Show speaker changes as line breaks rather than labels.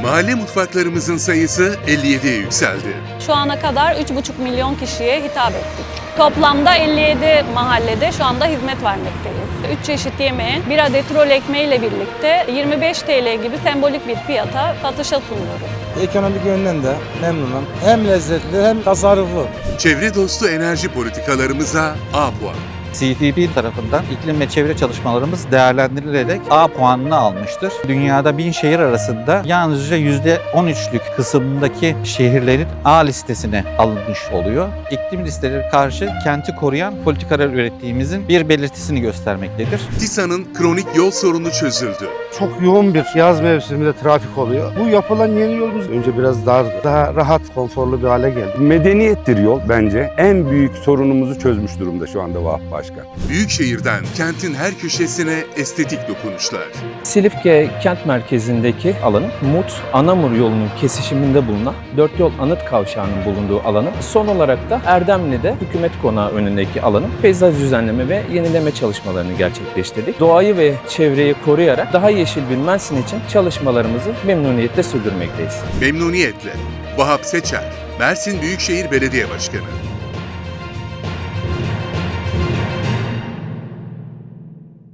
Mahalle mutfaklarımızın sayısı 57'ye yükseldi.
Şu ana kadar 3,5 milyon kişiye hitap ettik. Toplamda 57 mahallede şu anda hizmet vermekteyiz. 3 çeşit yemeği, 1 adet rol ekmeği ile birlikte 25 TL gibi sembolik bir fiyata satışa sunuyoruz.
Ekonomik yönden de memnunum. Hem lezzetli hem tasarruflu.
Çevre dostu enerji politikalarımıza A puan.
CDP tarafından iklim ve çevre çalışmalarımız değerlendirilerek A puanını almıştır. Dünyada 1000 şehir arasında yalnızca %13'lük kısımdaki şehirlerin A listesine alınmış oluyor. İklim listeleri karşı kenti koruyan politikalar ürettiğimizin bir belirtisini göstermektedir.
TİSA'nın kronik yol sorunu çözüldü.
Çok yoğun bir yaz mevsiminde trafik oluyor. Bu yapılan yeni yolumuz önce biraz dardı. Daha rahat, konforlu bir hale geldi.
Medeniyettir yol bence. En büyük sorunumuzu çözmüş durumda şu anda Vahap Başkan.
Büyükşehir'den kentin her köşesine estetik dokunuşlar.
Silifke kent merkezindeki alanın Mut Anamur yolunun kesişiminde bulunan Dört Yol Anıt Kavşağı'nın bulunduğu alanın, son olarak da Erdemli'de Hükümet Konağı önündeki alanın peyzaj düzenleme ve yenileme çalışmalarını gerçekleştirdik. Doğayı ve çevreyi koruyarak daha yeşil bir Mersin için çalışmalarımızı memnuniyetle sürdürmekteyiz.
Memnuniyetle. Vahap Seçer, Mersin Büyükşehir Belediye Başkanı.